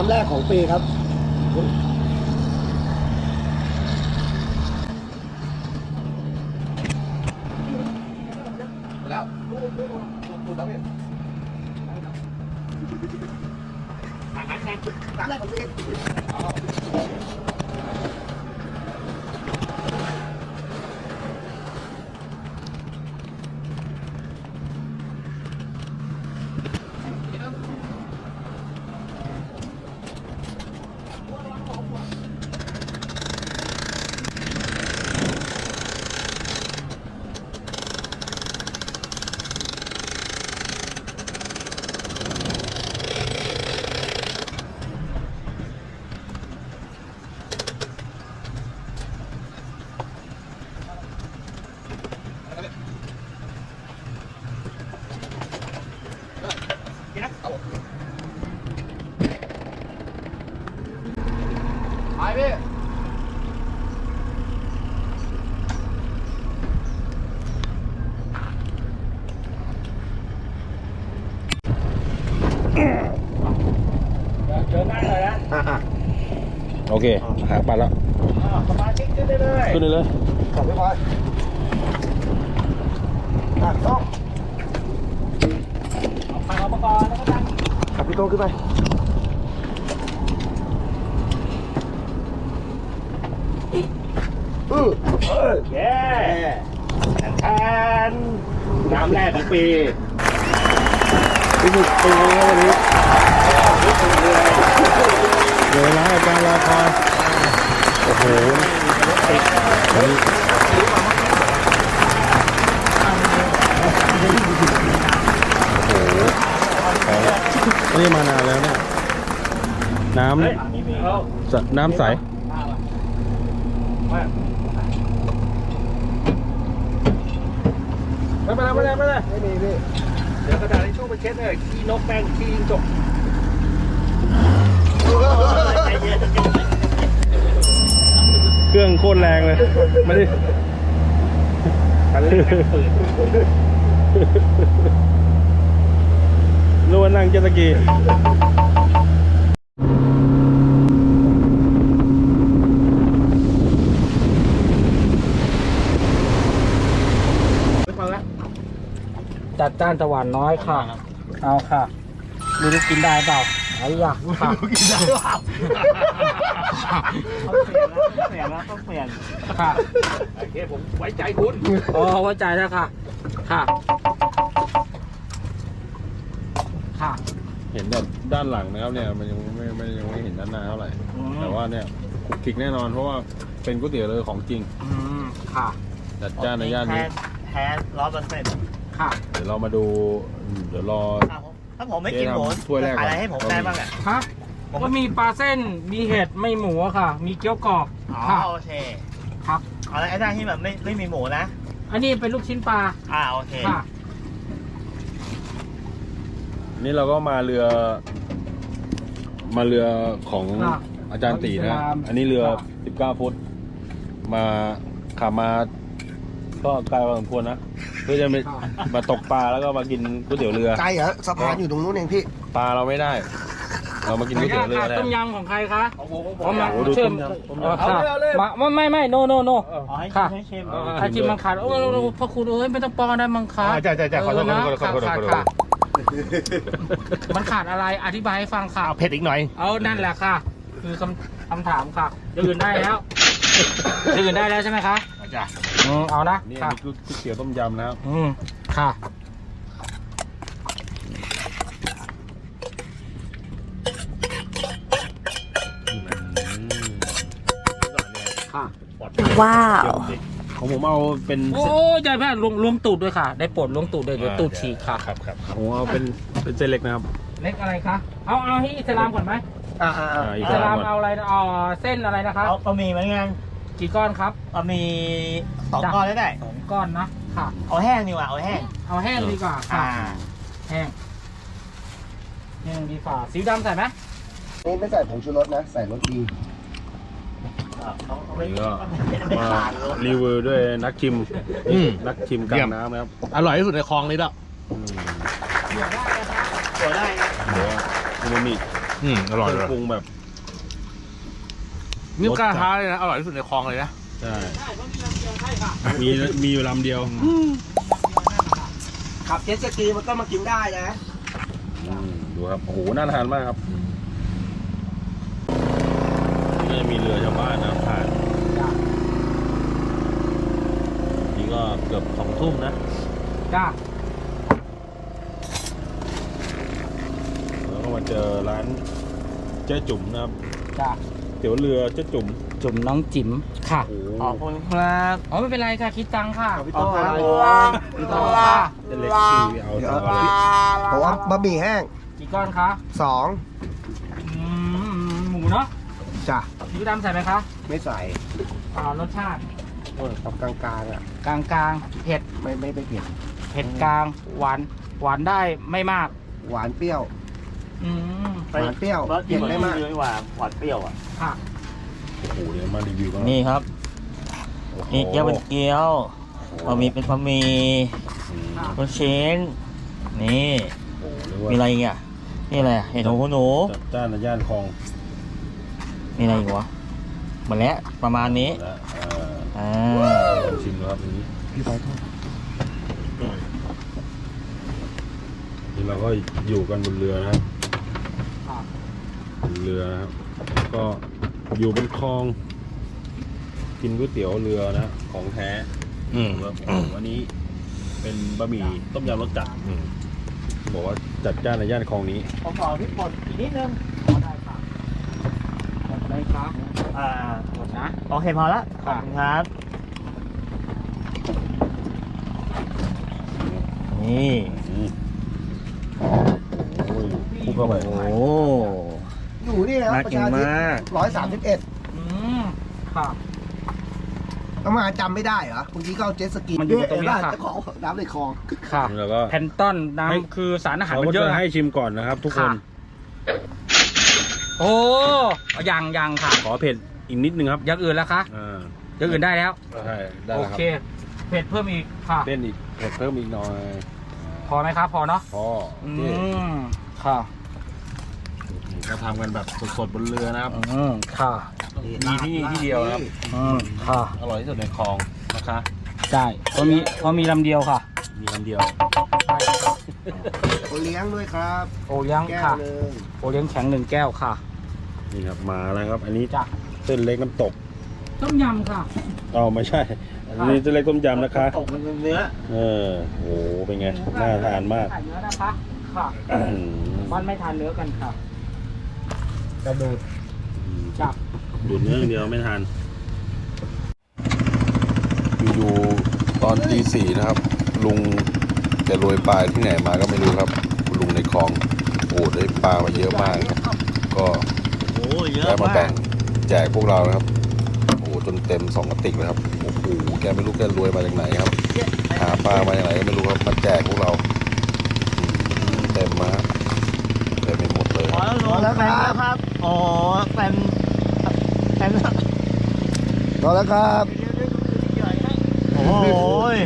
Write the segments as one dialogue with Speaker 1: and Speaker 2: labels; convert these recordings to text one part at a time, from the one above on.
Speaker 1: แรกของปีครับแล้วแรกของปีไปพี่เดินได้เลยนะ
Speaker 2: โอเคหาปัดแล้ว
Speaker 1: สมาชิกขึ้นได้เลย
Speaker 2: ขึ้นเลย
Speaker 1: ขับไม่พอต้องเอาไปเอาประกอบแล้วก็ดันขับพี่โต้ขึ้นไปเย้แทนน้ำแรกของปีที่สุดปีนี้วันนี้
Speaker 2: เดี๋ยวนะอาจารย์รอคอยโอ้โหนี่มานานแล้วเนี่ยน้ำใส
Speaker 1: ไม่เป็นไรไม่มีพี่เดี๋ยวกระดาษทิชชู่ไปเช็ดเลยขี้นกแป้งขี้ยิงจก
Speaker 2: เครื่องโคตรแรงเลยไม่ได้รู้ว่านั่งเจ็ตสกี
Speaker 3: จัดจ้านตะวันน้อยค่ะเอาค่ะดูดิกินได้เปล่าไอ้ยะค่ะ
Speaker 1: กินได้เปล่า
Speaker 3: เปลี่ยนแล้วต้องเปลี่ยนค่ะ
Speaker 1: โอเคผมไว้ใจคุณ
Speaker 3: อ๋อไว้ใจแล้วค่ะค่ะค่ะ
Speaker 2: เห็นแบบด้านหลังนะครับเนี่ยมันยังไม่เห็นด้านหน้าเท่าไหร่แต่ว่าเนี่ยคลิกแน่นอนเพราะว่าเป็นก๋วยเตี๋ยวเรือของจริง
Speaker 3: ค่ะ
Speaker 2: จัดจ้านในย่านนี้
Speaker 3: แท้100%ค่ะ
Speaker 2: เดี๋ยวเรามาดูเดี๋ยวรอ
Speaker 3: ถ้าผมไม่กินหมูจะขายอะไรให้ผมได้บ้างอ่ะฮะก็มีปลาเส้นมีเห็ดไม่หมูค่ะมีเกี๊ยวกรอบอ๋อโอเคครับอะไรไอ้ด้านที่แบบไม่มีหมูนะอันนี้เป็นลูกชิ้นปลาโอเคค่ะ
Speaker 2: นี่เราก็มาเรือของอาจารย์ตีนะอันนี้เรือ19 ฟุตมาขับมาก็ไกลพอสมควรนะเพื่อจะมาตกปลาแล้วก็มากินก๋วยเตี๋ยวเรือ
Speaker 1: ไกลเหรอสะพานอยู่ตรงนู้นเองพี่
Speaker 2: ปลาเราไม่ได้เรามากินก๋วยเตี๋ยวเรือ
Speaker 3: ต้มยำของใครคะ
Speaker 2: ผมดูต้มย
Speaker 3: ำไม่โนค่ะใครชิมมังคัดโอ้พ่อคุณเอ้ยไม่ต้องปองได้มังคัด
Speaker 2: ใช่ขอโทษ
Speaker 3: มันขาดอะไรอธิบายให้ฟังค่ะ
Speaker 2: เผ็ดอีกหน่อย
Speaker 3: นั่นแหละค่ะคือคำถามค่ะอื่นได้แล้วใช่ไหมคะ
Speaker 2: จ้ะ
Speaker 3: เอานะ
Speaker 2: นี่ก๋วยเตี๋ยวต้มยำนะครับ
Speaker 3: ค่ะ
Speaker 4: ว้าว
Speaker 2: ของผมเอาเป็น
Speaker 3: โอ้ยใจแม่ล้วงตูดด้วยค่ะได้โปรดล้วงตูดด้วยเดี๋ยวตูดฉีกค่ะ
Speaker 2: ครับผมเอาเป็นเส้นเล็กนะครับ
Speaker 3: เล็กอะไรคะเอาให้อิสลามก่อนไหมอิสลามเอาอะไรเส้นอะไรนะคะเอาบะหมี่เหมือนกันกี่ก้อนครับบะหมี่2 ก้อนได้2 ก้อนนะค่ะเอาแห้งดีกว่าเอาแห้งดีกว่าค่ะแห้งดีกว่าสีดำใส่ไหม
Speaker 1: นี่ไม่ใส่ผงชูรสนะใส่รสดี
Speaker 2: นี่ก็มารีวิวด้วยนักชิมกลางน้ำนะครับ
Speaker 1: อร่อยที่สุดในคลองนี้แล้ว
Speaker 3: เดี๋ยวได้นะ
Speaker 2: อูมามิอร่อยเลย
Speaker 4: ปรุงแบบ
Speaker 2: นี่กล้าท้าเลยนะอร่อยที่สุดในคลองเลยนะ
Speaker 4: ใช่
Speaker 3: ใช่เพราะมีลำเดียวใช่ค่ะ
Speaker 4: มีอยู่ลำเดียว
Speaker 3: ขับเจ็ตสกีมันก็มากินได้นะ
Speaker 4: ดูครับโอ้โหน่าทานมากครับนี่ก็จะมีเรือชาวบ้านนะผ่านนี่ก็เกือบ2 ทุ่มนะ
Speaker 3: จ้า
Speaker 4: แล้วก็มาเจอร้านเจ๊จุ๋มนะครับ
Speaker 3: จ้า
Speaker 4: เตี๋ยวเรือเจ๊จุ๋ม
Speaker 3: จุ่มน้องจิ๋มค่ะ
Speaker 4: โอ้โห
Speaker 3: ขอบคุณครับอ๋อไม่เป็นไรค่ะคิดตังค่ะ
Speaker 4: พี่โต้ครับ
Speaker 3: พี่โต้ค่ะ
Speaker 4: เส้นเล็กที่เอาเอาเอา
Speaker 5: เพราะว่าบะหมี่แห้ง
Speaker 3: กี่ก้อนคะ
Speaker 5: 2
Speaker 3: หมูเนาะ
Speaker 5: จ้ะ
Speaker 3: ซีอิ๊วดำใส่ไหมคะ
Speaker 5: ไม่ใส่
Speaker 3: รสชาติ
Speaker 5: ทำกลางๆอ่ะ
Speaker 3: กลางๆเผ็ด
Speaker 5: ไม่เผ็ด
Speaker 3: เผ็ดกลางหวานได้ไม่มาก
Speaker 5: หวานเปรี้ยว
Speaker 3: อืม
Speaker 5: หวานเปรี้ยวเผ็ดไม่มาก
Speaker 1: หวานเปรี้ยวอ่ะ
Speaker 3: ค่ะ
Speaker 4: โอ้โหเดี๋ยวมารีวิวกัน
Speaker 6: นี่ครับ
Speaker 4: โอ้โห
Speaker 6: นี่เกี๊ยวเป็นเกี๊ยวบะหมี่เป็นบะหมี่
Speaker 4: อืม
Speaker 6: ลูกชิ้น นี่
Speaker 4: โอ้โหเรียกว่า
Speaker 6: มีอะไรอีกอ่ะ นี่อะไรเห็ดหูหนู
Speaker 4: จัดจ้านในย่านคลอง
Speaker 6: มีอะไรอีกวะหมดแล้วประมาณนี้
Speaker 4: และ
Speaker 6: อ่า
Speaker 4: ลองชิมดูครับอันนี้
Speaker 5: พี่ไปโทษ
Speaker 4: นี่เราก็อยู่กันบนเรือนะครับ
Speaker 3: ค่ะ
Speaker 4: บนเรือนะครับ ก็อยู่บนคลอง กินก๋วยเตี๋ยวเรือนะของแท้ แล้ววันนี้เป็นบะหมี่ต้มยำรสจัดบอกว่าจัดจ้านในย่านคลองนี้
Speaker 3: ผมขอพริกป่นอีกนิดนึงได้ค่ะได้ครับ หมดนะ
Speaker 6: โอเคพอละ
Speaker 3: ขอบคุณ
Speaker 6: ครับ นี่
Speaker 4: โอ้ยคลุกเข้าไป
Speaker 6: โอ้
Speaker 5: อยู่นี่นะ
Speaker 6: น่า
Speaker 5: ประ
Speaker 6: กิน
Speaker 5: ชาธิป
Speaker 6: มาก
Speaker 5: 131
Speaker 3: อืมค่ะ
Speaker 5: ต้องมาจำไม่ได้เหรอเมื่อกี้ก็เอาเจ็ตสกี
Speaker 3: มันอยู่ตรงนี้ค่ะ
Speaker 5: เจ้าของน้ำในคลอง
Speaker 3: ค่ะ
Speaker 4: แล้วก็
Speaker 3: แพนตอนน้ำคือสารอาหาร
Speaker 4: เขา
Speaker 3: มั
Speaker 4: ก็
Speaker 3: นเย
Speaker 4: จะ
Speaker 3: อะ
Speaker 4: ให้ชิมก่อนนะครับ ทุกคน
Speaker 3: ค่ะ โอ้ยังค่ะ
Speaker 4: ขอเผ็ดอีกนิดนึงครับ
Speaker 3: อย่างอื่นแล้วคะ
Speaker 4: อ่า
Speaker 3: อย่างอื่นได้แล้ว
Speaker 4: ใช่ได้
Speaker 3: โอ
Speaker 4: แล้วครับ
Speaker 3: เค เผ็ดเพิ่มอีกค่ะ
Speaker 4: เต้นอีกเผ็ดเพิ่มอีกหน่อย
Speaker 3: พอไหมครับ พอเนาะ
Speaker 4: พอ
Speaker 3: อื
Speaker 4: โอเค
Speaker 3: มค่ะ
Speaker 4: ก็ทำกันแบบสดๆบนเรือนะครับ
Speaker 3: อืมค่ะ
Speaker 4: มีที่นี่ที่เดียวนะครับ
Speaker 3: อืมค่ะ
Speaker 4: อร่อยที่สุดในคลองนะคะ
Speaker 3: ใช่เพราะมีลำเดียวค่ะ
Speaker 4: มีลำเดียว
Speaker 3: ใช่ครับ
Speaker 5: โอเลี้ยงด้วยครับ
Speaker 3: โอเลี้ยง
Speaker 5: แก้ว
Speaker 3: ค่ะ
Speaker 5: หนึง
Speaker 3: โอเลี้ยงแข็ง1 แก้วค่ะ
Speaker 4: นี่ครับมาแล้วครับ อันนี้
Speaker 3: จ้ะ
Speaker 4: เส้นเล็กน้ำตก
Speaker 3: ต้มยำค่ะ
Speaker 4: อ๋อไม่ใช่ อันนี้เส้นเล็กต้มยำนะคะ
Speaker 3: ตกมันเป็นเนื้อ
Speaker 4: เออโหเป็นไงน่าทานมาก
Speaker 3: ทานเนื้อนะคะ ค่ะ
Speaker 4: อืม
Speaker 3: บ้านไม่ทานเนื้อกันค่ะ
Speaker 5: กระดูก
Speaker 3: จับ
Speaker 4: ดูดเนื้ออย่างเดียวไม่ทานอยู่ๆตอนตี 4นะครับ ลุงแกโรยปลาที่ไหนมาก็ไม่รู้ครับลุงในคลองโอ้ได้ปลามาเยอะมาก ก็
Speaker 6: โอ้เยอะ
Speaker 4: ได้มา
Speaker 6: มา
Speaker 4: แบ่
Speaker 6: ก
Speaker 4: งแจกพวกเรานะครับโอ้จนเต็ม2 กระติกเลยครับโอ้โหแกไม่รู้แกรวยมาจากไหนครับ หาปลามาจากไหนก็ไม่รู้ครับมาแจกพวกเราเต็มมาเต็มไปหมดเลย
Speaker 6: พอแล้วลุงแฟนครับ โอ้แฟน
Speaker 5: พอแล้วครับ
Speaker 6: โอ้ย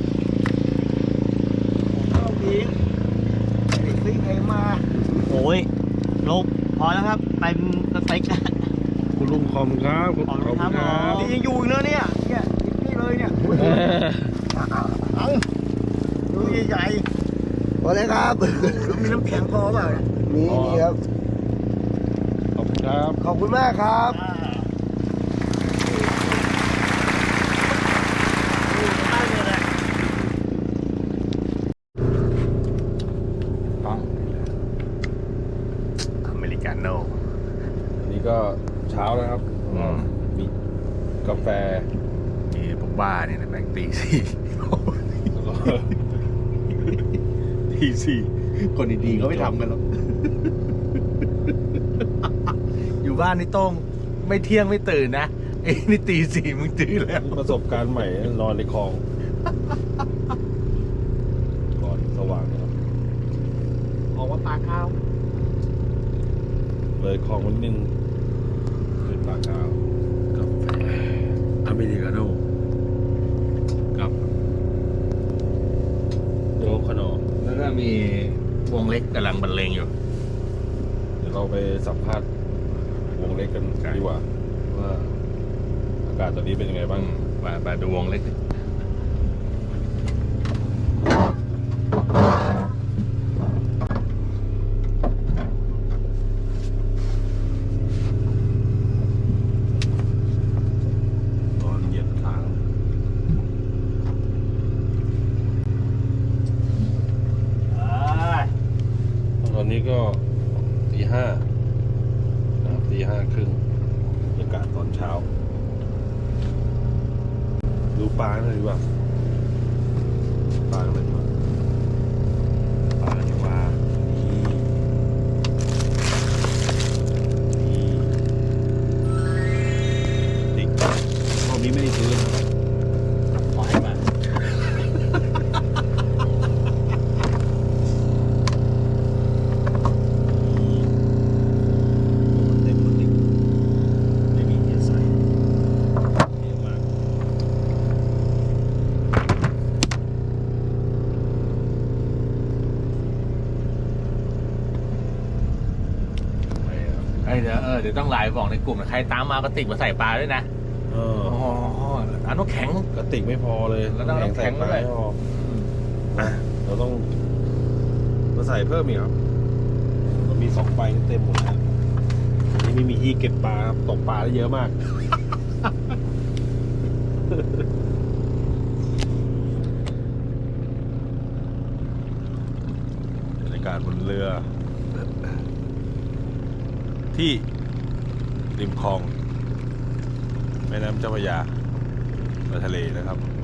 Speaker 5: ซื้อเพลงมา
Speaker 6: โอ้ยลุงพอแล้วครับเต็มสเต็ก
Speaker 4: คุณลุงคอมครับขอบคุณครับ
Speaker 6: นี่ยังอยู่อีกเนอะเนี่ย
Speaker 5: นี่เลยเนี่ยเอาดูใหญ่ๆพอเลยครับมีน้ำแข็งพอเปล่าเนี่ยมีครับ
Speaker 4: ขอบคุณครับ
Speaker 5: ขอบคุณมากครับ
Speaker 2: อเมริกาโน่
Speaker 4: อันนี้ก็เช้าแล้วครับมีกาแฟ
Speaker 2: มีพวกบ้าเนี่ยนะแบ่งตี 4
Speaker 4: ตี 4คนดีๆเขาไม่ทำกันหรอก
Speaker 2: อยู่บ้านนี่ต้องไม่เที่ยงไม่ตื่นนะไอ้นี่ตี 4มึงตื่นแล้ว
Speaker 4: ประสบการณ์ใหม่นอนในคลองก่อนสว่างนะครับ
Speaker 3: ออกว่าปลาข้าว
Speaker 4: เลยคลองมันนึงเป็นปากกาว
Speaker 2: กาแฟอเมริกาโน่กับ
Speaker 4: โจ๊กขนม
Speaker 2: แล้วก็มีวงเล็กกำลังบรรเลงอยู่
Speaker 4: เดี๋ยวเราไปสัมภาษณ์วงเล็กกันดีกว่าว่าอากาศตอนนี้เป็นยังไงบ้าง
Speaker 2: ไปดูวงเล็ก
Speaker 4: ตอนเหยียบทาง ตอนนี้ก็ตี 5นะครับตี 5 ครึ่งบรรยากาศตอนเช้า ดูปลาหน่อยดีกว่าปลาหน่อยดีกว่าปลาดีกว่านี่ติ๊กรอบนี้ไม่ได้ซื้อนะครับ
Speaker 2: ขอให้มา
Speaker 4: เต็มติ๊กไม่มีเทียใส่เยอะมาก
Speaker 2: เดี๋ยวต้องไลน์บอกในกลุ่มนะใครตามมากระติกมาใส่ปลาด้วยนะ
Speaker 4: เออ
Speaker 2: อ๋อน้ำแข็ง
Speaker 4: กระติกไม่พอเลย
Speaker 2: แล้วต้องน้ำแข็ง
Speaker 4: ใส่ปลา
Speaker 2: ด้วย
Speaker 4: ไม่พออ่ะเราต้องมาใส่เพิ่มอีกครับเรามี2 ใบเต็มหมดแล้วนี่ไม่มีที่เก็บปลาครับตกปลาได้เยอะมาก บรรยากาศบนเรือ ที่ริมคลองแม่น้ำเจ้าพระยาในทะเลนะครับ